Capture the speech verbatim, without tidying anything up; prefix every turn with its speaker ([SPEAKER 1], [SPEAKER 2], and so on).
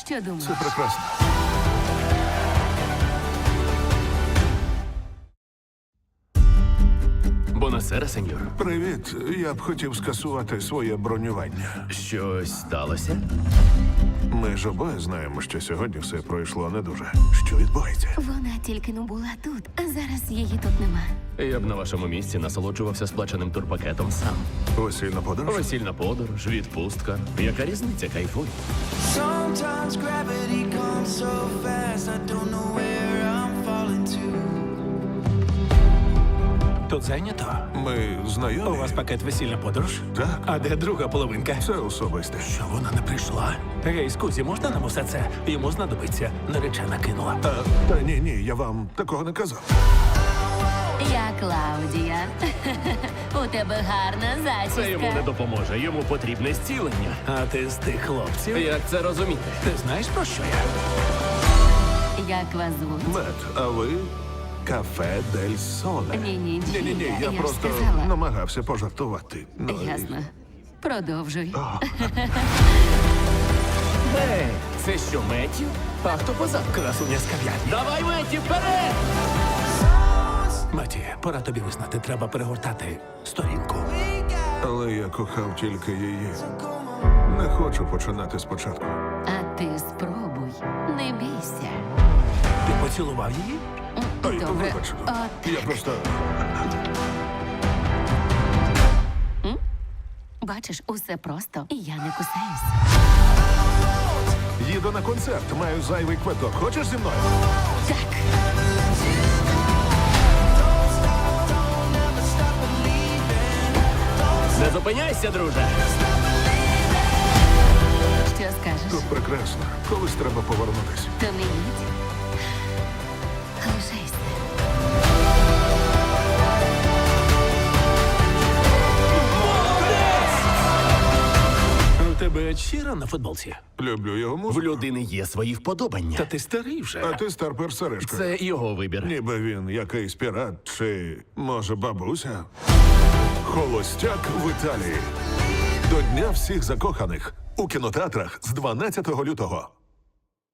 [SPEAKER 1] Що думаєш?
[SPEAKER 2] Це прекрасно.
[SPEAKER 3] Бонасера, сеньор.
[SPEAKER 2] Привіт. Я б хотів скасувати своє бронювання.
[SPEAKER 3] Щось сталося?
[SPEAKER 2] Ми ж обоє знаємо, що сьогодні все пройшло не дуже. Що відбувається?
[SPEAKER 1] Вона тільки не була тут, а зараз її тут нема.
[SPEAKER 3] Я б на вашому місці насолоджувався сплаченим турпакетом сам.
[SPEAKER 2] Весільна подорож?
[SPEAKER 3] Весільна подорож, відпустка. Яка різниця, кайфуй?
[SPEAKER 4] Sometimes gravity comes so fast, I don't know where I'm falling to.
[SPEAKER 5] Тут зайнято?
[SPEAKER 2] Ми
[SPEAKER 5] У
[SPEAKER 2] знайомі?
[SPEAKER 5] вас пакет весільна подорож?
[SPEAKER 2] Так.
[SPEAKER 5] А де друга половинка?
[SPEAKER 2] Це особисте.
[SPEAKER 5] Що вона не прийшла? Гей, скузі, можна нам усе це? Йому знадобиться. Наречена кинула.
[SPEAKER 2] Та, та ні, ні, я вам такого не казав.
[SPEAKER 1] Я Клаудія. У тебе гарна
[SPEAKER 3] Це йому не
[SPEAKER 1] зачіска.
[SPEAKER 3] допоможе. Йому потрібне зцілення.
[SPEAKER 5] А ти з тих хлопців?
[SPEAKER 3] Як це розуміти?
[SPEAKER 5] Ти знаєш про що я?
[SPEAKER 1] Як вас звуть?
[SPEAKER 2] Мет, а ви кафе Дель Соле.
[SPEAKER 1] Ні-ні-ні.
[SPEAKER 2] Ні-ні-ні, я,
[SPEAKER 1] Я ж
[SPEAKER 2] просто
[SPEAKER 1] сказала.
[SPEAKER 2] намагався пожартувати. Ну, і-
[SPEAKER 1] Ясно. Продовжуй.
[SPEAKER 3] Гей, це що, Меттю? А хто позаду?
[SPEAKER 5] Красуня з кав'ярні.
[SPEAKER 3] Давай, Меттю, вперед!
[SPEAKER 5] Маті, пора тобі визнати, треба перегортати сторінку.
[SPEAKER 2] Але я кохав тільки її. Не хочу починати спочатку.
[SPEAKER 1] А ти спробуй. Не бійся.
[SPEAKER 5] Ти поцілував її?
[SPEAKER 2] Ой,
[SPEAKER 1] Добре.
[SPEAKER 2] вибач.
[SPEAKER 1] От,
[SPEAKER 2] Я просто...
[SPEAKER 1] бачиш, усе просто, і я не кусаюсь.
[SPEAKER 2] Їду на концерт, маю зайвий квиток. Хочеш зі мною?
[SPEAKER 1] Так.
[SPEAKER 3] Не зупиняйся, друже!
[SPEAKER 1] Що скажеш?
[SPEAKER 2] Тут прекрасно. Колись треба повернутися.
[SPEAKER 1] То не їдь. Лишайся.
[SPEAKER 5] У тебе щира на футболці?
[SPEAKER 2] Люблю його
[SPEAKER 3] В
[SPEAKER 2] музику.
[SPEAKER 3] людини є свої вподобання.
[SPEAKER 5] Та ти старий вже.
[SPEAKER 2] А ти старпер Сережка.
[SPEAKER 3] Це його вибір.
[SPEAKER 2] Ніби він якийсь пірат чи, може, бабуся? Холостяк в Італії. До Дня всіх закоханих. У кінотеатрах з дванадцятого лютого.